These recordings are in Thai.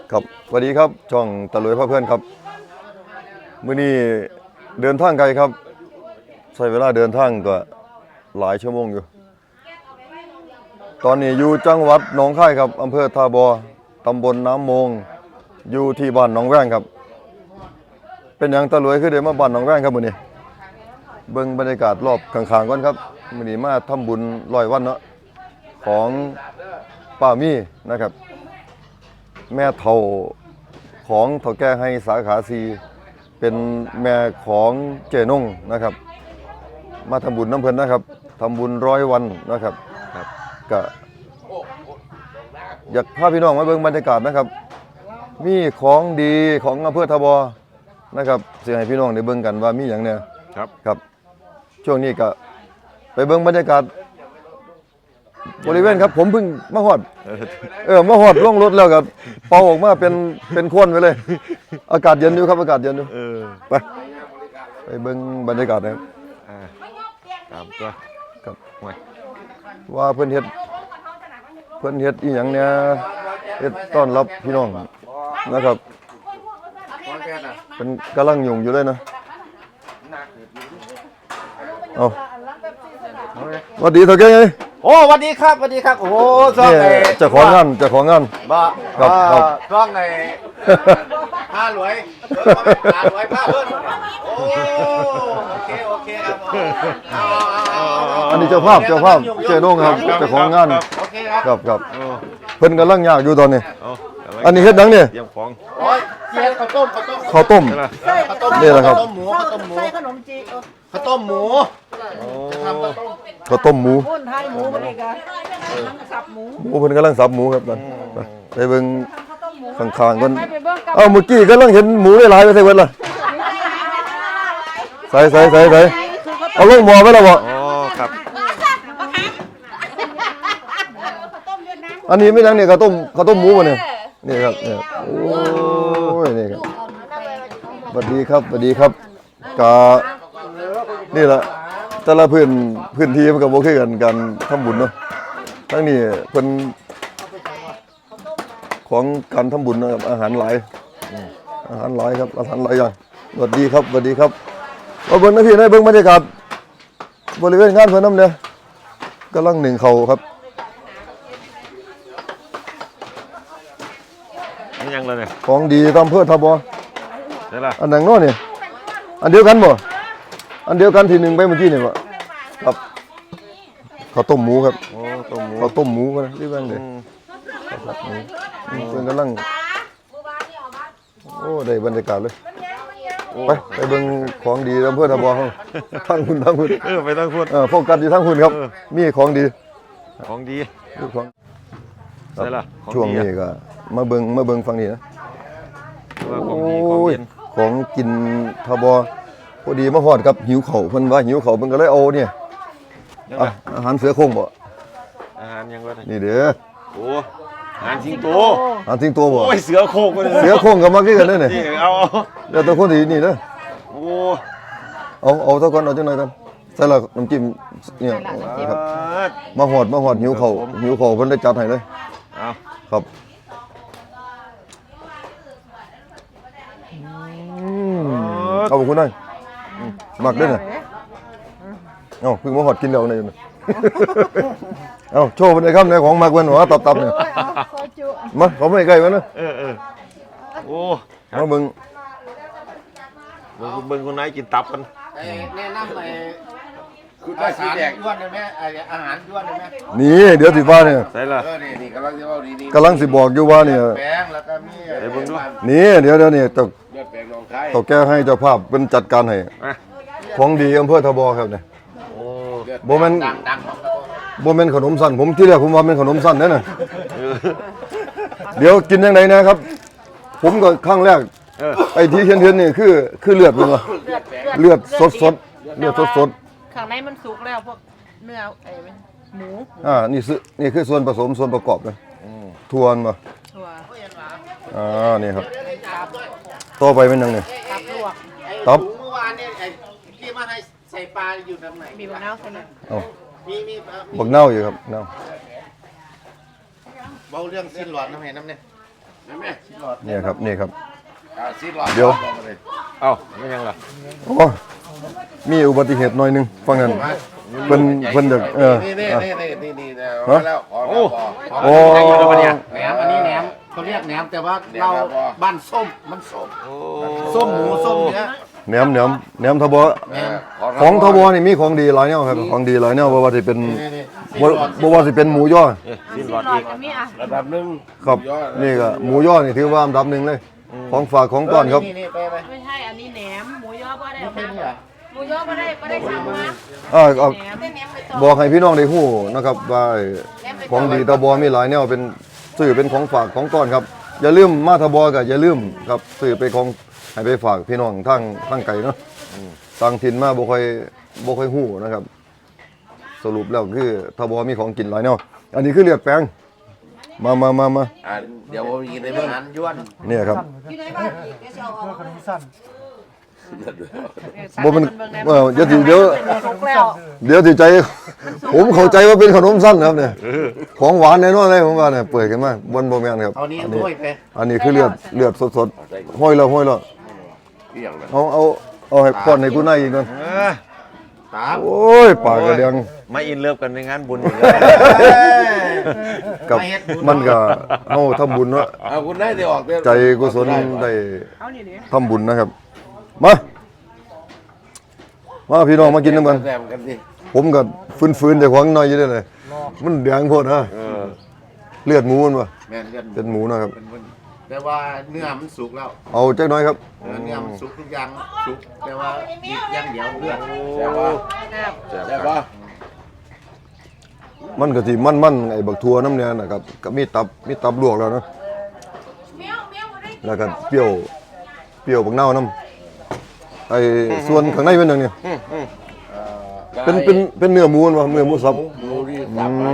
ครับสวัสดีครับช่องตะลุยพ่อเพื่อนครับมื้อนี้เดินทางไกลครับใช้เวลาเดินทางก็หลายชั่วโมงอยู่ตอนนี้อยู่จังหวัดหนองคายครับอำเภอท่าบ่อตำบลน้ำมงอยู่ที่บ้านหนองแว้งครับเป็นหยังตะลุยคือได้มาบ้านหนองแว้งครับมื้อนี้เบิ่งบรรยากาศรอบข้างๆก่อนครับมื้อนี้มาทำบุญ100 วันเนาะของป้ามี่นะครับแม่เฒ่าของเฒ่าแก่ให้สาขาซีเป็นแม่ของเจนงนะครับมาทำบุญน้ำเพิ่นนะครับทำบุญ100 วันนะครับก็อยากพาพี่น้องมาเบิ่งบรรยากาศนะครับมีของดีของอำเภอท่าบ่อนะครับสิให้พี่น้องได้เบิ่งกันว่ามีหยังเนี่ยครับช่วงนี้ก็ไปเบิ่งบรรยากาศบริเวณครับผมเพิ่งมาฮอดมาฮอดลงรถแล้วก็เป่าออกมาเป็นควันไปเลยอากาศเย็นอยู่ครับอากาศเย็นอยู่ไปเบิ่งบรรยากาศนะครับตามตัวครับว่าเพิ่นเฮ็ดอีหยังเนี่ยเฮ็ดต้อนรับพี่น้องนะครับเป็นกำลังยุ่งอยู่เลยนะเอาสวัสดีเฒ่าแก่ไงโอ้สวัสดีครับโอ้โหช่องไอ้เจ้าของงานบ่ครับช่องไอ้ผ้ารวยผ้ารวยผ้าเพิ่นโอ้โอเคครับอันนี้เจ้าภาพเจนงครับเจ้าของงานโอเคครับเพิ่นกำลังยากอยู่ตอนนี้อันนี้เฮ็ดหยังเนี่ยเตรียมของโอ้ยข้าวต้มนี่แหละครับใส่ขนมจีข้าวต้มหมูข้าวต้มหมูพุ่นไทยหมูบริการสับหมูเพิ่นกำลังสับหมูครับไปเบิ่งข้างๆก่อนเมื่อกี้กำลังเห็นหมูหลายๆไปใส่เบิดล่ะใส่เอาลงหม้อไว้แล้วบ่ครับอันนี้ไม่ยังเนี่ยข้าวต้มหมูบ่เนี่ยนี่ครับเนี่ยโอ้ยนี่ครับสวัสดีครับกะนี่ล่ะแต่ละพื้นที่มันก็บ่คือกันการทำบุญเนาะทั้งนี้เพิ่นของการทำบุญนะครับอาหารหลายครับอาหารหลายอย่างสวัสดีครับมาเบิ่งนะพี่ได้เบิ่งบรรยากาศบริเวณงานเพิ่นนำเนี่ยกำลังนึ่งข้าวครับนี่ยังเลยเนี่ยของดีตามอำเภอท่าบ่อใช่ล่ะอันนั้นเนาะนี่อันเดียวกันบ่อันเดียวกันที่หนึ่งไปเมื่อกี้นี่บ่ครับข้าวต้มหมูครับข้าวต้มหมูกันรีบบ้างเลยเพิ่นกำลังโอ้ได้บรรยากาศเลยไปเบิ่งของดีอำเภอท่าบ่อเฮาทางคุณไปทางคุณโฟกัสอยู่ทางคุณครับมีของดีของใช่ล่ะช่วงนี้ก็มาเบิ่งฝั่งนี้นะของกินท่าบ่อพอดีมาฮอดครับหิวข้าวเพิ่นว่าหิวข้าวเพิ่นก็เลยเอาเนี่ยอาหารเสือโคร่งบ่อาหารยังวะนี่เด้อโอ้อาหารสิงโตบ่โอ้ยเสือโคร่งเสือโคร่งก็มาคือกันเด้อนี่เอาเดี๋ยวตัวคนที่นี่เด้อโอ้เอาเท่ากันเอาจังหน่อยกันใส่ละน้ำจิ้มเนี่ยครับมาฮอดหิวข้าวเพิ่นได้จัดให้เลยเอาครับเอาคุณได้หมักด้วยน่ะเพิ่งมาหอดกินแล้วนี่โชว์เป็นไอ้คำในของหมักเพิ่นว่าตับเนี่ยมาเขาไม่ใกล้มันนะโอ้มาเบิ่งคนไหนกินตับกันแนะนำอาหารย้วนได้ไหมอาหารย้วนได้ไหมนี่เดี๋ยวสิว่าเนี่ยใช่ล่ะนี่กำลังจะเอาดีกำลังสิบอกอยู่ว่าเนี่ยแปลงแล้วก็มีนี่เดี๋ยวนี่เลือดแปลงลงไข่ต่อแก้ให้เจ้าภาพเป็นจัดการให้ของดีอำเภอท่าบ่อครับเนี่ยบ่แม่นขนมสั้นผมที่แรกผมว่าเป็นขนมสั้นนั่นน่ะเดี๋ยวกินยังไงนะครับผมก็ครั้งแรกไอ้ที่เทียนนี่คือเลือดเป็นวะเลือดสดข้างในมันสุกแล้วพวกเนื้อหมูนี่คือส่วนผสมส่วนประกอบนะถั่วมานี่ครับต่อไปเป็นยังไงตับลวกตับเมื่อวานเนี่ยที่มาให้ใส่ปลาอยู่ตรงไหนมีบักนาวใส่ไหมมีบักนาวอยู่ครับนาวเบาเรื่องสิ้นหลอดน้ำเห็นน้ำเนี่ยแม่ชิลอดเนี่ยครับนี่ครับชิลอดเดี๋ยวเอ้าไม่ยังล่ะโอ้มีอุบัติเหตุหน่อยหนึงฟังกันเพิ่นจะนี่มาแล้วโอ้โอ้แหนมอันนี้แหนมเขาเรียกแหนมแต่ว่าเราบ้านส้มมันส้มหมูส้มเนื้อแหนมทบของทบนี่มีของดีหลายแนวครับของดีหลายแนวบ่ว่าสิเป็นบ่ว่าสิเป็นหมูย่อสิ้นหหลอดลออีดกก็มีอ่ะระดับหนึ่งครับนี่ก็หมูย่อนี่ถือว่าอันดับหนึ่งเลย ของฝากของต้อนครับนี่ไปไม่ใช่อันนี้แหนมหมูยอบ่ได้นี่นี่อ่ะหมูยอบ่ได้สั่งมาเอาแหนมแหนมไปต่อบอกให้พี่น้องได้ฮู้นะครับว่าของดีทบมีหลายแนวเป็นซื้อเป็นของฝากของต้อนครับอย่าลืมมาทบก็อย่าลืมครับซื้อไปของให้ไปฝากพี่น้องทางไกลเนาะต่างถิ่นมาบ่ค่อยฮู้นะครับ สรุปแล้วคือทบมีของกินหลายแนวอันนี้คือเลือดแปลงมาเดี๋ยวผมกินในเบื้องนั้นย้วนเนี่ยครับสั่งบ่เป็นให้บิ่งแหมเดี๋ยวสิเดี๋ยวสุกแล้วเดี๋ยวสิใจผมเข้าใจว่าเป็นขนมสั้นครับเนี่ยของหวานแน่นอนเลยผมว่าเนี่ยเปิดกันมาบนบ่แม่นครับเอานี้อันถ้วยไปอันนี้คือเลือดสดๆห้อยแล้วที่อย่างนั้นเอาให้ป้อนให้กูนายอีกก่อนตามโอ้ยปากกระเดียงมาอินเลิฟกันในงานบุญอยู่เลยกับมันก็เฮาทำบุญเนาะเอาคุณได้ออกใจกุศลได้เอานี่ดิทำบุญนะครับมาพี่น้องมากินน้ำกันแซมกันดิผมก็ฟื้นๆแต่ของหน่อยอยู่เด้อเลยมันแดงโพดฮะเลือดหมูมันบ่แม่นเลือดเป็นหมูนะครับแต่ว่าเนื้อมันสุกแล้วเอาจักหน่อยครับเนื้อมันสุกทุกอย่างสุกแต่ว่าอีกอย่างเดียวเลือดแต่ว่าแซ่บแต่ว่ามันก็สิมันไอ้บักทั่วน้ำเนี่ยนะครับก็มีตับลวกแล้วเนาะแล้วก็เปรี้ยวบักเน่าวน้ำไอ้ส่วนข้างในเป็นหยังเนี่ยเป็นเนื้อหมูมันวะเนื้อหมูสับหมูที่สับมา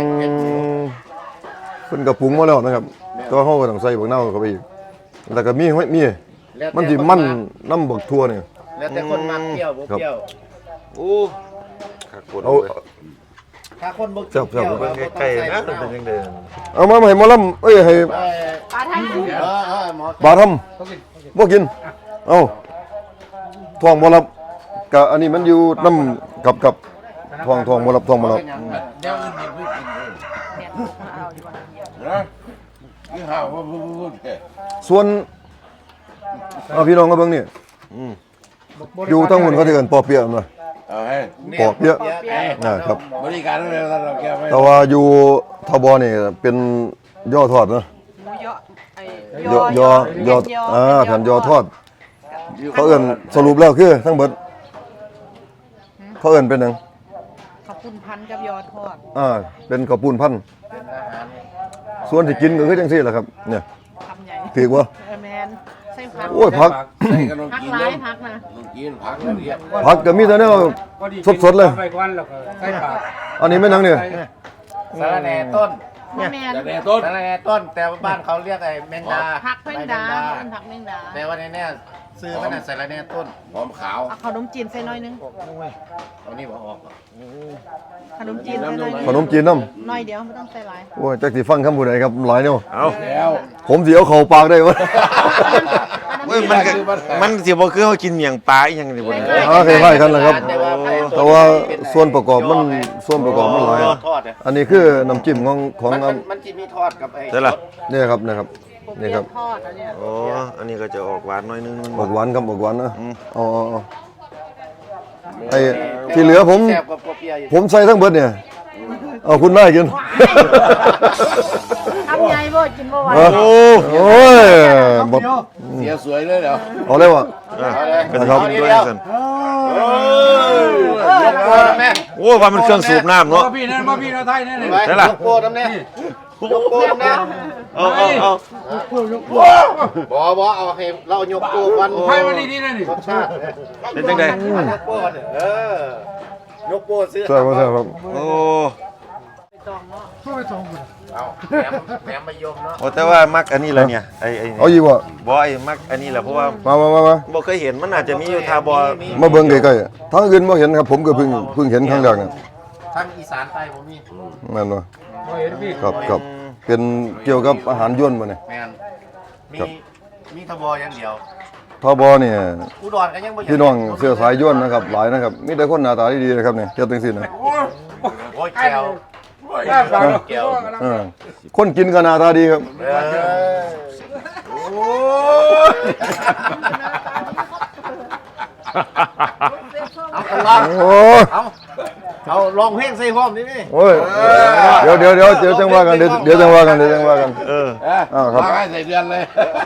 เพิ่นก็ปรุงมาแล้วนะครับก็เฮาก็ต้องใส่บักเน่าวเข้าไปอีกแล้วก็มีมันสิมันน้ำบักทั่วเนี่ยแล้วแต่คนมันเปรี้ยวบ่เปรี้ยวโอ้ขักปวดเอาถ้าคนบ่แซ่บเบิ่งใกล้ๆนะมันเป็นยังไงเอามาให้หมอลำให้ปลาไทยหมอบาทำบ่กินเอาท้องบ่รับก็อันนี้มันอยู่น้ำกับท้องบ่รับท้องบ่รับเดี๋ยวอื่นเดี๋ยวกินแหนมเอาดีกว่านะนี่ห่าวว่าพูดแค่ส่วนเอาพี่น้องก็เบิ่งนี่อยู่ทั้งหมดเขาสิเอิ้นปอเปี๊ยะมาเอาให้ปอเปี๊ยะนะครับบริการอะไรเราแกไม่แต่ว่าอยู่ทบนี่เป็นย่อทอดเนาะหมูยอไอ้ย่อแผ่นย่อทอดเขาเอิ้นสรุปแล้วคือทั้งเบิดเขาเอิ้นเป็นหยังข้าวปุ้นพันกับยอทอดเป็นข้าวปุ้นพันธุ์เป็นอาหารส่วนที่กินก็คือจังซี่แหละครับเนี่ยคำใหญ่ถือว่าแมนใส่ผักโอ้ยผักใส่ขนมผักกินหลาเนาะยผักนะขนมกินผักละเอียดผักก็มีแต่แนวสดๆเลยไปก่อนแล้วก็ใส่ปากอันนี้แม่นหยังเนี่ยสาระแหน่ต้นแมนสาระแหน่ต้นสาระแหน่ต้น แต่ว่าบ้านเขาเรียกไอ้แมงดาผักแมงดาเป็นผักแมงดาแต่ว่าในเนี่ยซื้อมันน่ะสาระแหน่ต้นหอมขาวเอาขนมจีนใส่หน่อยนึงเอานี่บ่ออกขนมจีนใส่หน่อยนึงขนมจีนน้หน่อยเดียวไม่ต้องใส่หลายำโอ้ยจักสิฟังคำผู้ใดครับหลายแนวเอาแล้วผมสิเอาเข้าปากได้บ่เว้ยมันสิบ่คือเฮากินเมียงปลาอีหยังนี่บ่เนี่ยคล้ายๆกันแหละครับ แต่ว่าส่วนประกอบมันมันหลายทอดอ่ะอันนี้คือน้ำจิ้มของมันจะมีทอดกับไอ้ใช่ล่ะนี่ครับนี่ครับ นี่ครับทอดอันเนี้ยโอ้อันนี้ก็จะออกหวานหน่อยนึงออกหวานครับออกหวานนะเอาไอ้ที่เหลือผมแซ่บกว่าเปรี้ยวอยู่ผมใส่ทั้งเบิดเนี่ยเอาคุณนายกินทำใหญ่บ่กินบ่ไหวโอ้ยบดเสียสวยเลยเหรอเอาเลยวะเอาเลยก็สิครับกินด้วยซั่นยกโป้น้ำแน่โอ้ว่ามันเครื่องสูบน้ำเนาะมาพี่นั่นมาพี่เราไทยนั่นเลยได้ล่ะยกโป้น้ำแน่ยกโป้น้ำแน่เอาบ่เอาให้เรายกโป้วันไทยวันนี้นี่นั่นนี่รสชาติเป็นจังได๋ยกโป้เนี่ยยกโป้ซื้อใช่ครับโอ้เอาแหนมมายมเนาะโอ้แต่ว่ามักอันนี้แหละเนี่ยไอ้เอาอีกวะบ่ไอ้มักอันนี้แหละเพราะว่ามาบ่เคยเห็นมันอาจจะมีอยู่ทาบ่มาเบิ่งใกล้ๆทางอื่นบ่เห็นครับ ผมก็เพิ่งเห็นครั้งแรกนะทางอีสานใต้ผมมีแม่นบ่เห็นพี่ครับเป็นเกี่ยวกับอาหารยวนบ่เนี่ยแม่นมีทบอย่างเดียวทบเนี่ยอุดรก็ยังบ่พี่น้องเสื้อสายย่นนะครับหลายนะครับมีแต่คนหน้าตาดีๆนะครับเนี่ยเจ้าตังสินะโอ้ยแก้วแค่ปากแก้วคนกินก็หน้าตาดีครับโอ้ยเอากันลองโอ้ยเอาลองเพลงใส่พร้อมนี่นี่โอ้ยเดี๋ยวจังว่ากันเดี๋ยวจังว่ากันอ้าวครับมาให้ใส่เดือนเลย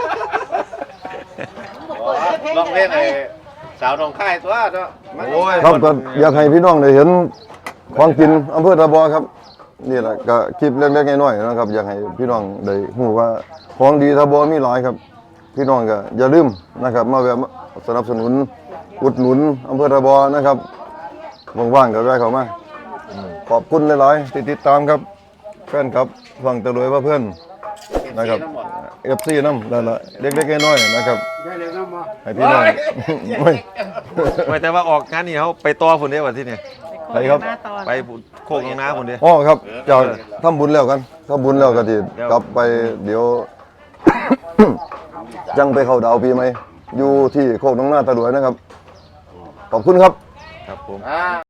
ลองเพลงไอ้สาวหนองคายตัวเนาะโอ้ยครับก็อยากให้พี่น้องได้เห็นของกินอำเภอตะบอครับนี่แหละก็คลิปเล็กๆน้อยๆนะครับอยากให้พี่น้องได้รู้ว่าของดีตะบอมีหลายครับ พี่น้องก็อย่าลืมนะครับมาแวะสนับสนุนอุดหนุนอำเภอตะบอนะครับว่างๆก็แวะเข้ามาขอบคุณหลายๆที่ติดตามครับแฟนครับฟังตะลุยว่าเพื่อนนะครับ FC น้ำนั่นแหละเล็กๆน้อยๆนะครับแค่เล็กน้ำมาให้พี่น้องไม่ไม่แต่ว่าออกงานนี่เขาไปต่อพุ่นเด้วันที่นี่ใครครับหน้าตอนไปโคกลงน้าพุ่นเด้อ๋อครับจากทำบุญแล้วกันทำบุญแล้วก็ที่กลับไปเดี๋ยว จังไปเข้าดาวปีใหม่อยู่ที่โคกน้องหน้าตะลุยนะครับขอบคุณครับครับผมอ่า